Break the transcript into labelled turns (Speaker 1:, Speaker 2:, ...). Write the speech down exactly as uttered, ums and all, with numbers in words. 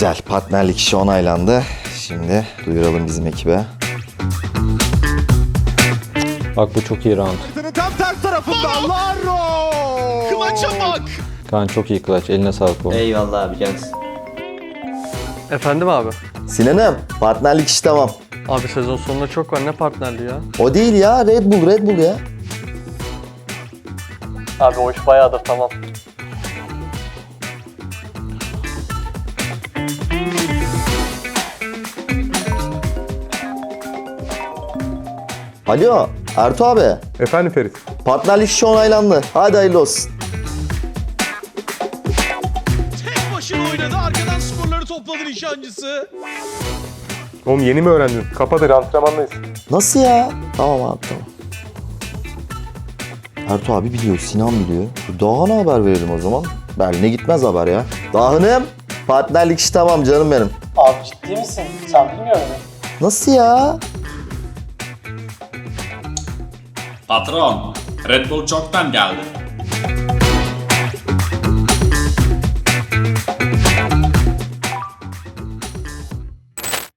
Speaker 1: Güzel, partnerlik işi onaylandı. Şimdi duyuralım bizim ekibe.
Speaker 2: Bak bu çok iyi round.
Speaker 3: Tam ters tarafında Larro.
Speaker 4: Kılaça bak.
Speaker 2: Kaan çok iyi clutch. Eline sağlık oğlum.
Speaker 5: Eyvallah abi cansın.
Speaker 6: Efendim abi.
Speaker 1: Sinan'ım, partnerlik işi tamam.
Speaker 6: Abi sezon sonunda çok var, ne partnerliği ya?
Speaker 1: O değil ya, Red Bull, Red Bull ya.
Speaker 6: Abi o iş bayağıdır tamam.
Speaker 1: Alo, Ertuğ abi.
Speaker 3: Efendim Ferit.
Speaker 1: Partnerlik işi onaylandı. Hadi hayırlı olsun.
Speaker 4: Tek başına oynadı. Arkadan skorları topladı nişancısı.
Speaker 3: Oğlum yeni mi öğrendin? Kapadır, antrenmandayız.
Speaker 1: Nasıl ya? Tamam abi, tamam. Ertuğ abi biliyor, Sinan biliyor. Dağhan'a haber verelim o zaman. Berlin'e gitmez haber ya. Dağhan'ım, partnerlik işi tamam canım benim.
Speaker 7: Abi ciddi misin? Sen bilmiyor musun?
Speaker 1: Nasıl ya?
Speaker 8: Patron, Red Bull çoktan geldi.